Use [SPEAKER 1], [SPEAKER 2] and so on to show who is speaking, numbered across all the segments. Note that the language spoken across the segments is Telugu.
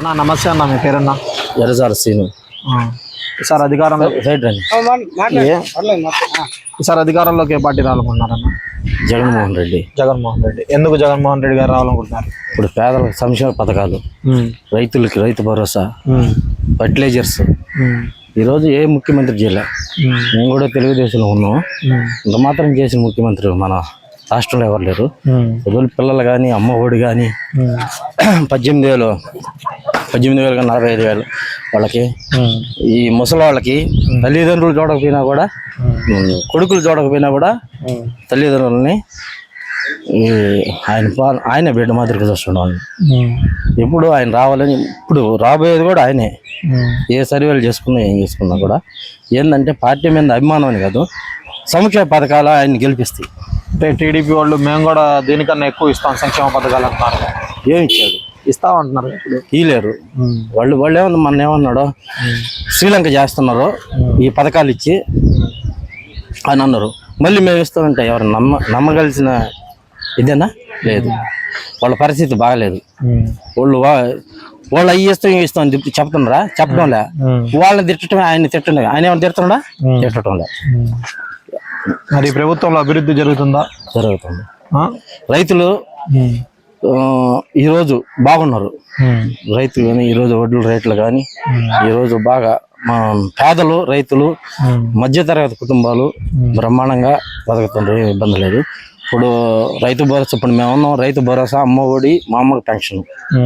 [SPEAKER 1] అన్న నమస్తే అన్న, మీ పేరన్నా?
[SPEAKER 2] ఎర్రజాల సీను.
[SPEAKER 1] ఈసారి అధికారంలో ఈసారి అధికారంలోకి ఏ పార్టీ రావాలనుకుంటున్నారన్న?
[SPEAKER 2] జగన్మోహన్ రెడ్డి.
[SPEAKER 1] జగన్మోహన్ రెడ్డి. ఎందుకు జగన్మోహన్ రెడ్డి గారు రావాలనుకుంటున్నారు?
[SPEAKER 2] ఇప్పుడు పేదలకు సంక్షేమ పథకాలు, రైతులకి రైతు భరోసా, ఫర్టిలైజర్స్ ఈరోజు ఏ ముఖ్యమంత్రి చేయలే. మేము కూడా తెలుగుదేశంలో ఉన్నాం. ఇంత మాత్రం చేసిన ముఖ్యమంత్రి మన రాష్ట్రంలో ఎవరు లేరు. చదువుల పిల్లలు కానీ, అమ్మ ఒడి కానీ 18,000 కానీ 45,000 వాళ్ళకి, ఈ ముసలి వాళ్ళకి తల్లిదండ్రులు చూడకపోయినా కూడా, కొడుకులు చూడకపోయినా కూడా తల్లిదండ్రులని ఆయన బిడ్డ మాదిరిగా చూస్తున్నాం. ఎప్పుడు ఆయన రావాలని, ఇప్పుడు రాబోయేది కూడా ఆయనే. ఏ సర్వేలు చేసుకున్నా ఏం చేసుకున్నా కూడా ఏంటంటే పార్టీ మీద అభిమానం అని కాదు, సంక్షేమ పథకాలు ఆయన్ని గెలిపిస్తాయి.
[SPEAKER 1] అంటే టీడీపీ వాళ్ళు మేము కూడా దీనికన్నా ఎక్కువ ఇస్తాం సంక్షేమ పథకాలు అంటున్నారు.
[SPEAKER 2] ఏమి ఇచ్చాడు?
[SPEAKER 1] ఇస్తామంటున్నారు. ఇప్పుడు
[SPEAKER 2] ఇలేరు వాళ్ళు ఏమన్నా మన ఏమన్నాడు, శ్రీలంక చేస్తున్నారు ఈ పథకాలు ఇచ్చి అని అన్నారు. మళ్ళీ మేము ఇస్తామంటే ఎవరు నమ్మగలిసిన ఇదేనా? లేదు. వాళ్ళ పరిస్థితి బాగలేదు. వాళ్ళు అవి ఇస్తాం అని చెప్తున్నారా? చెప్పడంలే. వాళ్ళని తిట్టడమే, ఆయన్ని తిట్టడం. ఆయన ఏమైనా తిడుతున్నాడా? తిట్టడంలే.
[SPEAKER 1] మరి ప్రభుత్వంలో అభివృద్ధి జరుగుతుందా?
[SPEAKER 2] జరుగుతుంది. రైతులు ఈరోజు బాగున్నారు. రైతులు కానీ ఈరోజు వడ్ల రేట్లు కానీ ఈరోజు బాగా పేదలు, రైతులు, మధ్యతరగతి కుటుంబాలు బ్రహ్మాండంగా బతుకుతుండ్రు. ఇబ్బంది లేదు. ఇప్పుడు రైతు భరోసా, ఇప్పుడు మేము ఉన్నాం, రైతు భరోసా, అమ్మ ఒడి, మా అమ్మకి పెన్షన్,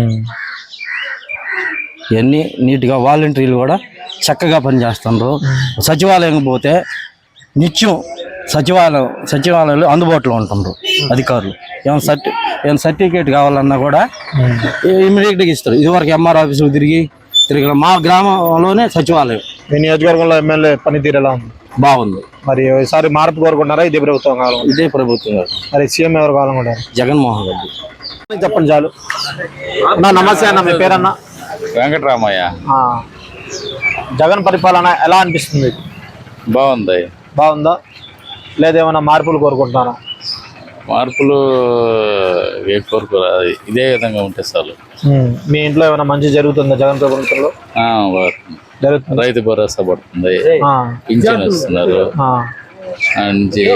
[SPEAKER 2] ఇవన్నీ నీట్గా వాలంటీర్లు కూడా చక్కగా పనిచేస్తుండ్రు. సచివాలయం పోతే నిత్యం సచివాలయాలు అందుబాటులో ఉంటుండ్రు అధికారులు. ఏమైనా సర్టిఫికేట్ కావాలన్నా కూడా ఇమీడియట్గా ఇస్తారు. ఇదివరకు ఎంఆర్ ఆఫీసులు తిరిగి మా గ్రామంలోనే సచివాలయం.
[SPEAKER 1] మీ నియోజకవర్గంలో ఎమ్మెల్యే పనితీరు ఎలా ఉంది?
[SPEAKER 2] బాగుంది.
[SPEAKER 1] మరి ఈసారి మార్పు కోరుకుంటారా? ఇదే ప్రభుత్వం కావాలి?
[SPEAKER 2] ఇదే ప్రభుత్వం.
[SPEAKER 1] మరి సీఎం ఎవరు కావాలనుకుంటారు?
[SPEAKER 2] జగన్మోహన్ రెడ్డి.
[SPEAKER 1] చెప్పండి చాలు. అన్న నమస్తే అన్న, మీ పేరన్నా?
[SPEAKER 3] వెంకటరామయ్య.
[SPEAKER 1] జగన్ పరిపాలన ఎలా అనిపిస్తుంది?
[SPEAKER 3] బాగుంది.
[SPEAKER 1] బాగుందా? లేదేమన్నా మార్పులు కోరుకుంటున్నారా?
[SPEAKER 3] మార్పులు ఏ కోరుకోరు, ఇదే విధంగా ఉంటే చాలు.
[SPEAKER 1] మీ ఇంట్లో ఏమైనా మంచి జరుగుతుందా జగన్ ప్రభుత్వంలో? జరుగుతుంది.
[SPEAKER 3] రైతు భరోసా పడుతుంది, పింఛన్ వస్తున్నారు, మంచి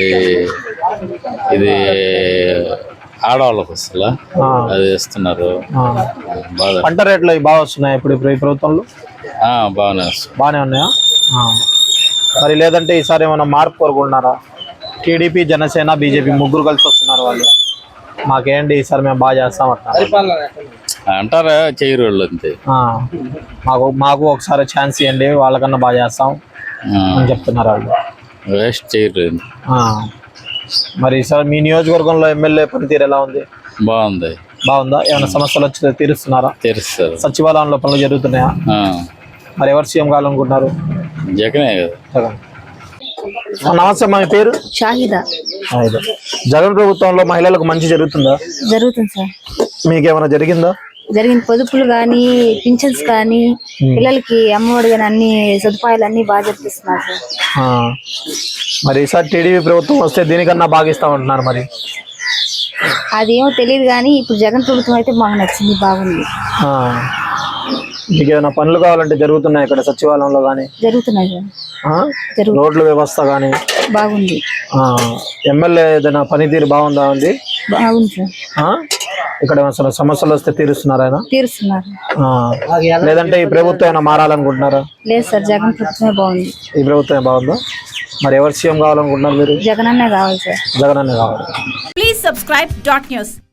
[SPEAKER 3] ఇది ఆడవాళ్ళకి వస్తుందా అది ఇస్తున్నారు.
[SPEAKER 1] పంట రేట్లు బాగా వస్తున్నాయి ఇప్పుడు ఈ ప్రభుత్వంలో? బాగానే ఉన్నాయా? మరి లేదంటే ఈసారి ఏమైనా మార్పు కోరుకుంటున్నారా? టీడీపీ, జనసేన, బీజేపీ ముగ్గురు కలిసి వస్తున్నారు. వాళ్ళు మాకేంటి ఈసారి మేము బాగా చేస్తాం
[SPEAKER 3] అంటారా? చేయరు వాళ్ళు అంతే.
[SPEAKER 1] మాకు ఒకసారి ఛాన్స్ ఇవ్వండి, వాళ్ళకన్నా బాగా చేస్తాం అని చెప్తున్నారు వాళ్ళు.
[SPEAKER 3] వేస్ట్ చేయరు.
[SPEAKER 1] మరి ఈసారి మీ నియోజకవర్గంలో ఎమ్మెల్యే పనితీరు ఎలా ఉంది?
[SPEAKER 3] బాగుంది.
[SPEAKER 1] బాగుందా? ఏమైనా సమస్యలు వచ్చి తీరుస్తున్నారా?
[SPEAKER 3] తీరుస్తారు.
[SPEAKER 1] సచివాలయంలో పనులు జరుగుతున్నాయా? మరి ఎవరు సీఎం కావాలనుకుంటున్నారు?
[SPEAKER 3] జగనే కదా.
[SPEAKER 1] జగన్. నమస్తే, మా పేరు
[SPEAKER 4] షాహిదా.
[SPEAKER 1] జగన్ ప్రభుత్వంలో మహిళలకు మంచి జరుగుతుందా?
[SPEAKER 4] జరుగుతుంది సార్.
[SPEAKER 1] మీకేమైనా జరిగిందా?
[SPEAKER 4] జరిగింది. పొదుపులు కానీ, పింఛన్స్ కానీ, పిల్లలకి అమ్మఒడి కానీ అన్ని సదుపాయాలు అన్ని బాగా జరిపిస్తున్నారు సార్.
[SPEAKER 1] మరి ఈసారి టీడీపీ ప్రభుత్వం వస్తే దీనికన్నా బాగా ఇస్తామంటున్నారు. మరి
[SPEAKER 4] అదేమో తెలియదు కానీ ఇప్పుడు జగన్ ప్రభుత్వం అయితే మాకు నచ్చింది, బాగుంది.
[SPEAKER 1] మీకు ఏమైనా పనులు కావాలంటే జరుగుతున్నాయి ఇక్కడ సచివాలయంలో కానీ?
[SPEAKER 4] జరుగుతున్నాయి సార్.
[SPEAKER 1] రోడ్ల వ్యవస్థ కానీ
[SPEAKER 4] బాగుంది.
[SPEAKER 1] ఎమ్మెల్యే ఏదైనా పనితీరు బాగుందా? ఉంది.
[SPEAKER 4] బాగుంది సార్.
[SPEAKER 1] ఇక్కడ అసలు సమస్యలు వస్తే తీరుస్తున్నారు ఆయన?
[SPEAKER 4] తీరుస్తున్నారు.
[SPEAKER 1] లేదంటే ఈ ప్రభుత్వం ఏమైనా మారాలనుకుంటున్నారా?
[SPEAKER 4] లేదు సార్, జగన్ ప్రభుత్వమే బాగుంది.
[SPEAKER 1] ఈ ప్రభుత్వమే బాగుందా? మరి ఎవరు సీఎం కావాలనుకుంటున్నారు మీరు?
[SPEAKER 4] జగన్ అన్నే కావాలి సార్.
[SPEAKER 1] జగన్ అన్నే కావాలి.
[SPEAKER 5] Please subscribe .news.